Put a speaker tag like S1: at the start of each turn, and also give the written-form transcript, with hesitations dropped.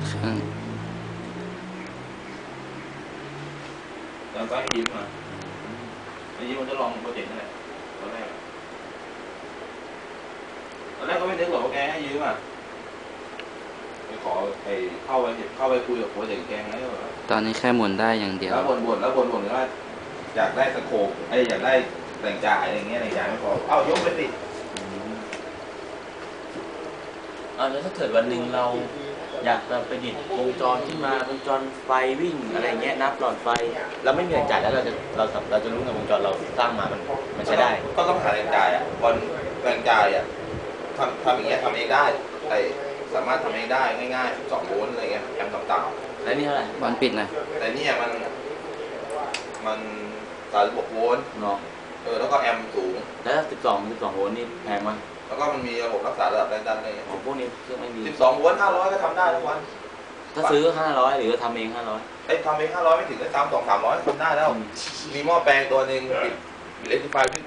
S1: แล้วก็ให้ยิ้มมาไอ้ยิ้มมันจะลองโปรเจกต์นั่นแหละตอนแรกก็ไม่นึกหรอกว่าแกให้ยืมไปขอไปเข้าไปคุยกับโปรเจกต์แกไง
S2: ตอนนี้แค่หมุนได้อย่างเดียว
S1: แล้วบ่นว่าอยากได้สโคปอยากได้แหล่งจ่ายอะไรเงี้ยแหล่งจ่ายไม่พอเอายกไปสิ
S3: แล้วถ้าเกิดวันหนึ่งเราอยากจะประดิษฐ์วงจรที่มาวงจรไฟวิ่งอะไรเงี้ยนับหลอดไฟเราไม่มีแหล่งจ่ายแล้วเราจะรู้ไงวงจรเราสร้างมามันใช้ได้
S1: ก็ต้องหาแหล่งจ่ายบอลแหล่งจ่ายทำอย่างเงี้ยทำเองได้สามารถทำเองได้ง่ายๆ2 โวลต์อะไรเงี้ยแอมป์ต่าง
S3: ๆแล้วนี่เท่าไหร่
S2: บอลปิดนะ
S1: แต่เนี่ยมัน36 โวลต์
S3: เนาะ
S1: แล้วก็แอมป์สูง
S3: แล้ว12 โวลต์นี่แพงมั้ย
S1: แล้วก็มันมีระบบรักษาระดับแรงดันอะไร
S3: ของพวกนี้เครื่องไม่มี
S1: 12 โวลต์500ก็ทำได้ทุกวัน
S3: ถ้าซื้อ500หรือทำเอง500
S1: ทำเอง500ไม่ถึงได้300-300ทำได้แล้วมีหม้อแปลงตัวนึงปิดอิเล็กทริฟาย